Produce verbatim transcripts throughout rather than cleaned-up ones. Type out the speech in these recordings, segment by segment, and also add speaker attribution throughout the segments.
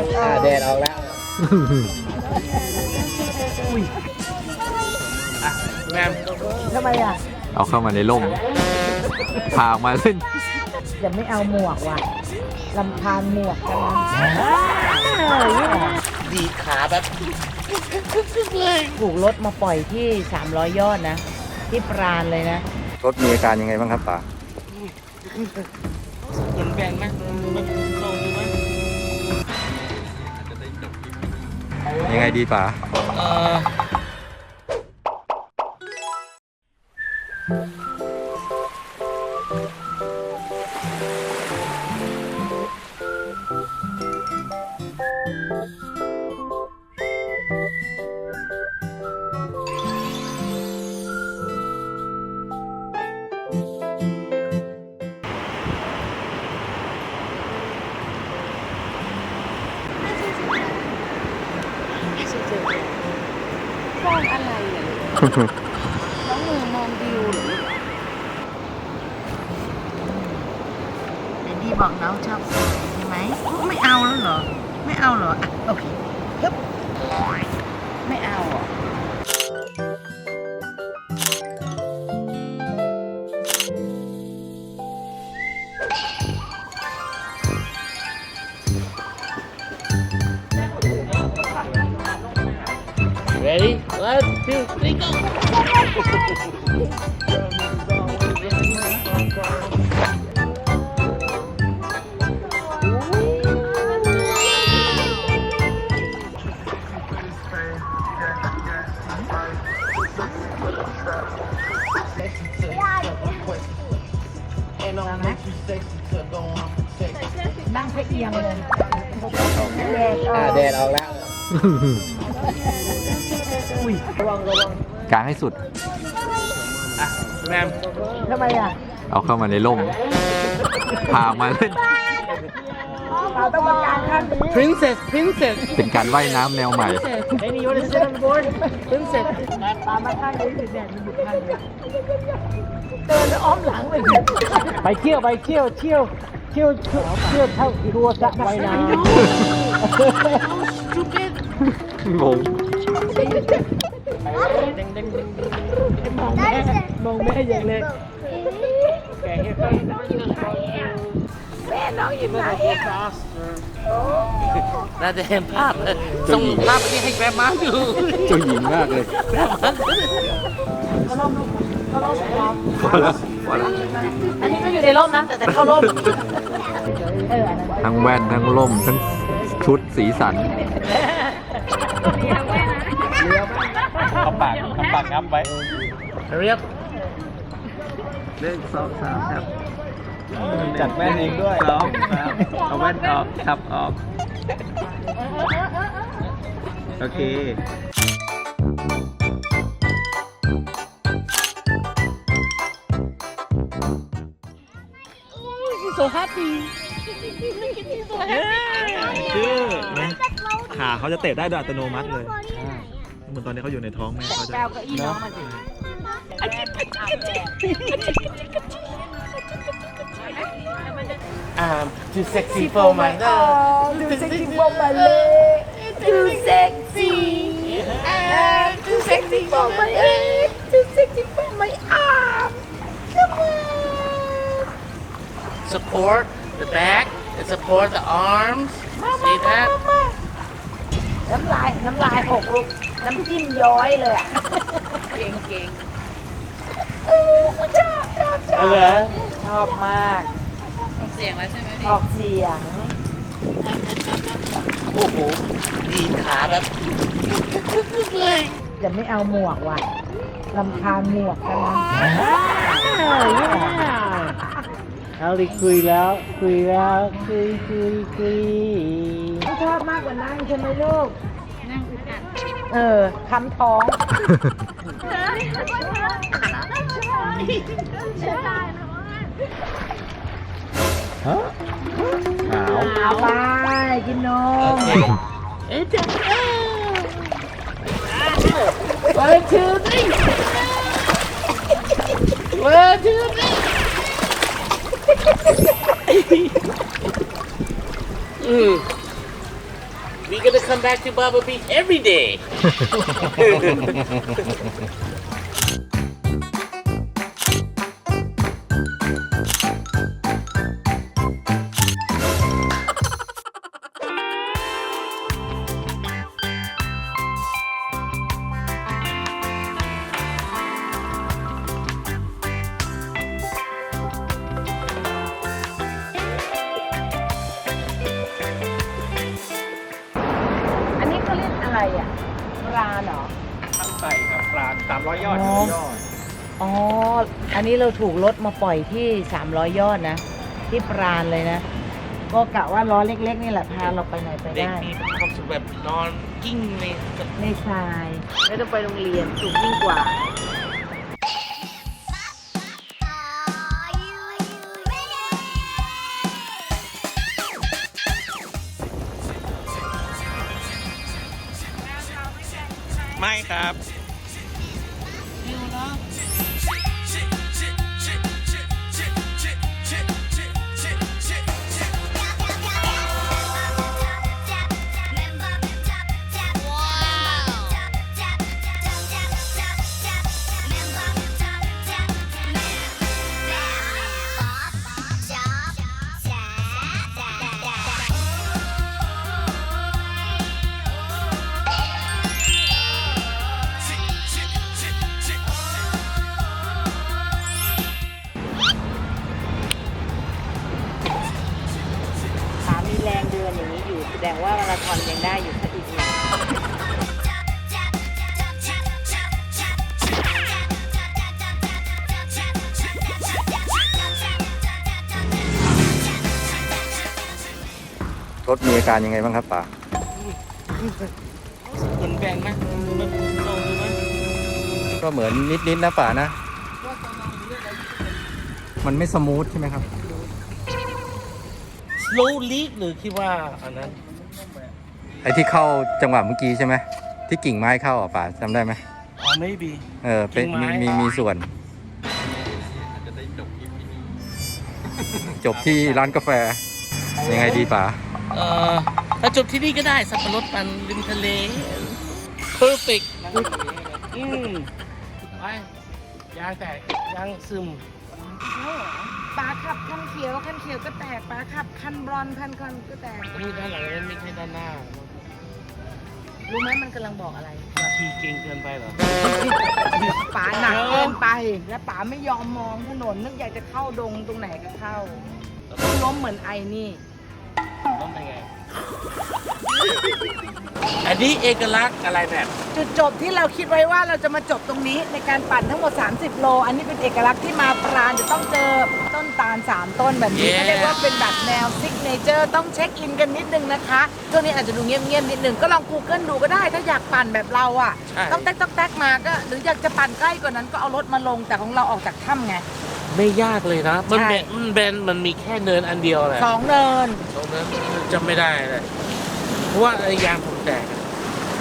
Speaker 1: แดดออกแล้วอ่ะแม่
Speaker 2: ทำไมอ่ะ
Speaker 3: เอาเข้ามาในร่มพาออกมาเล่น
Speaker 2: จะไม่เอาหมวกว่ะลำพานหมวกกันนะ
Speaker 1: ดีขาแบบ
Speaker 2: ถูกรถมาปล่อยที่สามร้อยยอดนะที่ปราณเลยนะ
Speaker 3: รถมีอาการยังไงบ้างครับป๋า
Speaker 1: เหมือนแบนไหมมันเข้าดูไหม
Speaker 3: ยังไงดีป๋า
Speaker 1: เออ
Speaker 2: มองอะไรอ่ะน้องมือมองวิวหรือเดนดี้บอกน้องชอบสายใช่ไหมไม่เอาแล้วเหรอไม่เอาเหรออ่ะโอเคฮึบไม่เอาอ่ะ
Speaker 1: Ready? One, two, three, go!
Speaker 2: นั่งเพียงเลย
Speaker 1: แดดออกแล้ว
Speaker 3: กางให้สุด
Speaker 1: อ่ะแมม
Speaker 2: ทำไมอ่ะ
Speaker 3: เอาเข้ามาในร่มพาออกมาเล่น
Speaker 2: เราต้องมากางข้างนี้
Speaker 1: Princess Princess
Speaker 3: เป็นการว่ายน้ำแนวใหม่
Speaker 1: Baby you wanna sit on the board Princess
Speaker 2: ตามมาข้างนี้ถึงแดดมันบุกข้างนี้เดินแล้วอ้อมหลังเลย
Speaker 1: ไปเที่ยวไปเที่ยวเที่ยวเที่ยวเที่ยวเที่ยวเท่าตัวสระว่ายน้ำ Stupid
Speaker 3: งง
Speaker 1: มองแม่มองแม่อย่างเลยแกให้ฟัง
Speaker 2: แม่น้องอยู่ไหนอ่ะ
Speaker 1: น่าจะเห็นภาพเลยส่งภาพนี้ให้แกรมาดู
Speaker 3: เจ้าหญิงมากเลยพอแล้วพอแล้ว
Speaker 2: อันนี้ก็อยู่ในร่มนะแต่แต่เข้าร่ม
Speaker 3: ทั้งแว่นทั้งร่มทั้งชุดสีสัน
Speaker 1: เอาปากเอาปากงับไว้เรียบเรื่องสองสามครับจัดแว่นเองด้วยสองสามเอาแว่นออกทับออกโอเค so happy
Speaker 4: คือขาเขาจะเตะได้โดยอัตโนมัติเลยเหมือนตอนนี้เขาอยู่ในท้องแม่เขาจะ
Speaker 2: แก้วก็อีน้องมาสิ
Speaker 1: อ่า too sexy for my love
Speaker 2: too sexy for my leg too sexy too sexy for my leg too sexy for my arm come on
Speaker 1: support the back and support the arms see that
Speaker 2: น้ำลายน้ำลายหกลูกน้ำจิ้มย้อยเลยอ่ะเก่งเก่งชอบชอบชอบชอบมาก
Speaker 5: ออกเสียงแล้วใช่ไหม
Speaker 2: ออกเสียง
Speaker 1: โอ้โหดีขาแบบ
Speaker 2: จะไม่เอาหมวกว่ะลำพานหมวกกันนะ
Speaker 1: เอาดิคุยแล้วคุยแล้วคุยคุยคุย
Speaker 2: ไม่ชอบมากกว่านั่งใช่ไหมลูก
Speaker 5: นั่งอึดอัด
Speaker 2: เออคำท้อง
Speaker 3: ฮะหนาว
Speaker 2: เอาไปกินนม
Speaker 1: เอ๊ะจ๊ะ
Speaker 2: ไปชื่อสิไปชื่อสิ
Speaker 1: อืม
Speaker 6: We gonna come back to Baba Beach every day.
Speaker 2: อันนี้เขาเรียกอะไรอ่ะปลาเหรอ
Speaker 1: ตั้งใจครับปลาสามร้อยยอด
Speaker 2: อ๋อ
Speaker 1: ยอด
Speaker 2: อ๋อ อันนี้เราถูกรถมาปล่อยที่สามร้อยยอดนะ ที่ปราณเลยนะ ก็กะว่าล้อเล็กๆนี่แหละพาเราไปไหนไป
Speaker 6: เด็ก
Speaker 2: ได้
Speaker 6: มีความสุขแบบนอนกิ้งใน
Speaker 2: ในทรายไม่ต้องไปโรงเรียนถูกยิ่งกว่า
Speaker 6: ไม่ครับ
Speaker 2: ขามีแรงเดินอย่างนี้อยู่แสดงว่ามาราธอนยังได้อยู่สักอีกหนึ่ง
Speaker 3: รถมีอาการยังไงบ้างครับป๋า
Speaker 6: เหมือนแบนไหมมันโตไหม
Speaker 3: ก็เหมือนนิดๆนะป๋านะ มันไม่สมูทใช่ไหมครับ
Speaker 6: slow leak หรือคิดว่าอันนั้น
Speaker 3: ไอ้ที่เข้าจังหวะเมื่อกี้ใช่ไหมที่กิ่งไม้เข้าอ่ะป๋าจำได้ไหม
Speaker 6: อ๋อ maybe
Speaker 3: เออเป็น
Speaker 6: กิ่งไม้
Speaker 3: มีมีมีส่วน จบที่ร้านกาแฟ ยังไงดีป๋า
Speaker 6: เอ่อถ้าจบที่นี่ก็ได้สับปะรดปันริมทะเล perfect อืมไปยางแตกยางซึม
Speaker 2: ปลาขับคันเขียวคันเขียวก็แตกปลาขับคันบรอนคันคันก็แตก
Speaker 6: นี่ด้านหลังนั้นไม่ใช่ด้านหน้า
Speaker 2: รู้ไหมมันกำลังบอกอะไร
Speaker 6: ขี่เก่งเกินไปเหรอ
Speaker 2: ป๋าหนักเกินไป และป๋าไม่ยอมมองถนนนึกอยากจะเข้าดงตรงไหนก็เข้าล้มเหมือนไอ้นี่
Speaker 6: ต้องเป็นไง อันนี้เอกลักษณ์อะไรแบบ
Speaker 2: จุดจบที่เราคิดไว้ว่าเราจะมาจบตรงนี้ในการปั่นทั้งหมด สามสิบ โล อันนี้เป็นเอกลักษณ์ที่มาปราณจะต้องเจอต้นตาล สาม ต้นแบบนี้
Speaker 6: Yeah.
Speaker 2: เขาเรียกว่าเป็นแบบแนวซิกเนเจอร์ต้องเช็คอินกันนิดนึงนะคะช่วงนี้อาจจะดูเงียบๆนิดนึงก็ลอง Google ดูก็ได้ถ้าอยากปั่นแบบเราอ่ะ
Speaker 6: ใช่
Speaker 2: ต้องแต๊กต้องแต๊กมาก็หรืออยากจะปั่นใกล้กว่านั้นก็เอารถมาลงแต่ของเราออกจากถ้ำไง
Speaker 6: ไม่ยากเลยนะ มัน
Speaker 2: ใช่
Speaker 6: แบนมันแบนมันมีแค่เนินอันเดียวแหละ
Speaker 2: สองเนิน
Speaker 6: ตรงนั้นจำไม่ได้เลยเพราะว่าไอ้ยางผมแตกอะ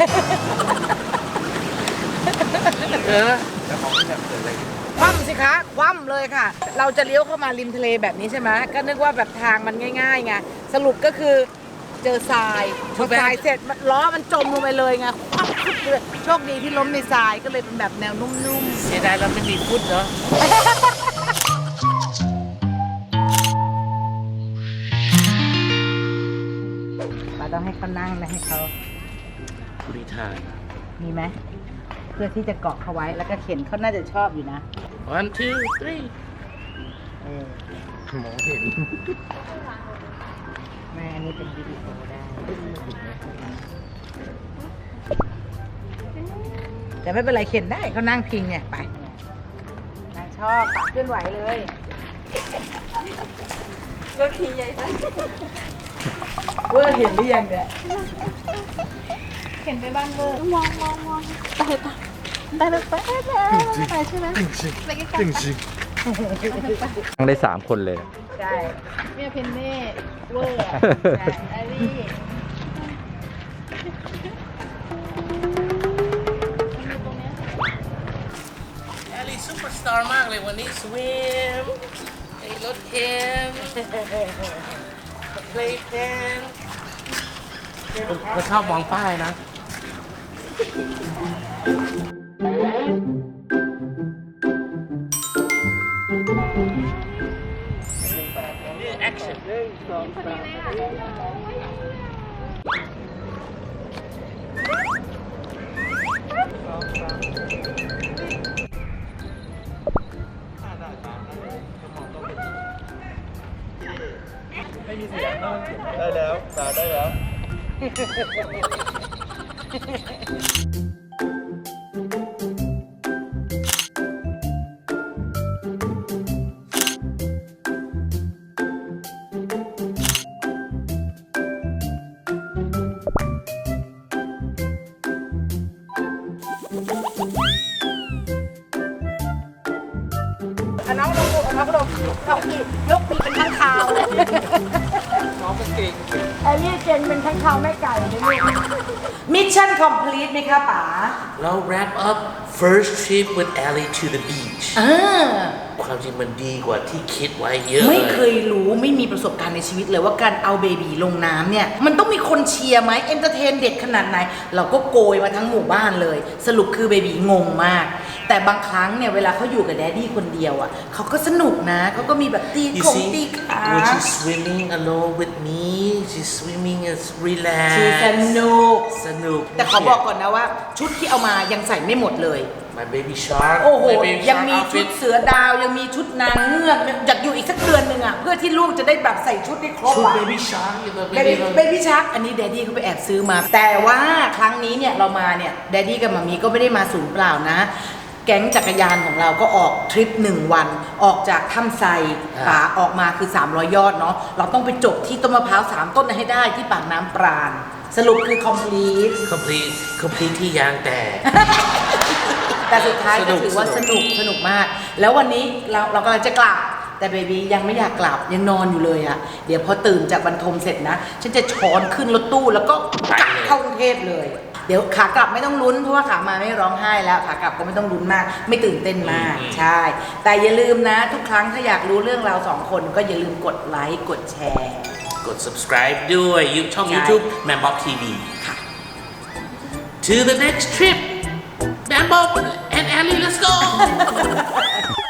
Speaker 6: เออ
Speaker 2: คว่ำสิคะคว่ำเลยค่ะ เราจะเลี้ยวเข้ามาริมทะเลแบบนี้ใช่ไหมก็นึกว่าแบบทางมันง่ายๆไงสรุปก็คือเจอทรายพอทรายเสร็จมันล้อมันจมลงไปเลยไงคว่ำปุ๊บเลยโชคดีที่ล้มในทรายก็เลยเป็นแบบแนวนุ่ม
Speaker 6: เสียดายเราไม่มีฟุตเนาะ
Speaker 2: ๆเราต้องให้เขานั่งนะให้เขา
Speaker 6: รีทาย
Speaker 2: มีไหมเพื่อที่จะเกาะเขาไว้แล้วก็เข็นเขาน่าจะชอบอยู่นะ
Speaker 6: one two three
Speaker 2: เออ
Speaker 3: มองเห็น
Speaker 2: แม่อันนี้เป็นวิดีโอได้แต่ไม่เป็นไรเข็นได้เขานั่งพิงเนี่ยไปนางชอบปากเคลื่อนไหวเลยก็ขี่ใหญ่ไปเวอร์เห็นหรือยังเนี่ยเห็นไปบ้านเวอร์มองมองมองไปไปไปไปไปไปใช่ไหมไปใกล้ๆ
Speaker 3: ทั้งได้สามคนเลย
Speaker 2: ใช่เมียเพนเน่เวอร์อะใช่ไอรี่
Speaker 6: แอลลี่ซุปเปอร์สตาร์มากเลยวันนี้สวิมไอ้รถเข็นเพลย์แพนเดก็ชอบมองป้ายนะ
Speaker 1: ได้แล้วตาได้แล้ว
Speaker 2: เอาน้องลงลูกเอาน้องลงน้องปียกปีเป็นข้างคาวเลย
Speaker 1: น้องก็เก่ง
Speaker 2: ไอ้นี่เก่งเป็นข้างคาวแม่ไก่เลยลูกมิชชั่นคอมพลีทไหมคะป๋า
Speaker 6: เรา wrap up first trip with Ellie to the beach
Speaker 2: อ่า
Speaker 6: ความจริงมันดีกว่าที่คิดไว้เยอะ
Speaker 2: ไม่เคยรู้ไม่มีประสบการณ์ในชีวิตเลยว่าการเอาเบบีลงน้ำเนี่ย มันต้องมีคนเชียร์ไหมเอนเตอร์เทนเด็กขนาดไหน เราก็โกยมาทั้งหมู่บ้านเลย สรุปคือเบบีงงมาก แต่บางครั้งเนี่ยเวลาเขาอยู่กับแดดดี้คนเดียวอ่ะเขาก็สนุกนะเขาก็มีแบบตี
Speaker 6: You
Speaker 2: ของ
Speaker 6: see
Speaker 2: ตีขา
Speaker 6: when she's swimming alone with me she's swimming as
Speaker 2: ชี
Speaker 6: relaxed
Speaker 2: สนุก
Speaker 6: สนุก
Speaker 2: แต่ขอบอกก่อนนะว่า ชุดที่เอามายังใส่ไม่หมดเลย
Speaker 6: My baby shark
Speaker 2: โอ้โห
Speaker 6: My baby
Speaker 2: ยัง
Speaker 6: shark
Speaker 2: มีชุด
Speaker 6: outfit
Speaker 2: เสือดาวยังมีชุดนางเงือกอยากอยู่อีกสักเดือนหนึ่งอ่ะเพื่อที่ลูกจะได้แบบใส่ชุดได้ครบ
Speaker 6: ชุด
Speaker 2: อ่ะ
Speaker 6: baby shark อยู่แบบ
Speaker 2: เบบี้
Speaker 6: baby
Speaker 2: เบบี้ชักอันนี้แดดดี้เขาไปแอบซื้อมา แต่ว่าครั้งนี้เนี่ยเรามาเนี่ยแดดดี้กับมามีก็ไม่ได้มาศูนย์เปล่านะ แก๊งจักรยานของเราก็ออกทริปหนึ่งวัน ออกจากถ้ำไซป่าออกมาคือสามร้อยยอดเนาะเราต้องไปจบที่ต้นมะพร้าวสามต้นให้ได้ที่ปากน้ำปราณ สรุปคือ complete
Speaker 6: complete complete ที่ยางแตก
Speaker 2: แต่สุดท้าย
Speaker 6: สนุ
Speaker 2: ก็
Speaker 6: ก
Speaker 2: ถือว่า
Speaker 6: ส
Speaker 2: ส
Speaker 6: นุ
Speaker 2: นุ
Speaker 6: ก
Speaker 2: กสนุกมาก แล้ววันนี้เราเรากำลังจะกลับ แต่เบบียังไม่อยากกลับยังนอนอยู่เลยอะเดี๋ยวพอตื่นจากบรรทมเสร็จนะ ฉันจะช้อนขึ้นรถตู้แล้วก็กลับเข้ากรุงเทพเลย เดี๋ยวขากลับไม่ต้องลุ้นเพราะว่าขามาไม่ร้องไห้แล้วขากลับก็ไม่ต้องลุ้นมาก ไม่ตื่นเต้นมาก ใช่ แต่อย่าลืมนะ ทุกครั้งถ้าอยากรู้เรื่องเราสองคนก็อย่าลืมกดไลค์กดแชร์
Speaker 6: กด subscribe ด้วยยูช่อง
Speaker 2: ใช่
Speaker 6: YouTube Man Bob ที วี
Speaker 2: ค่ะ
Speaker 6: To the next trip Man Bob and Ellie let's go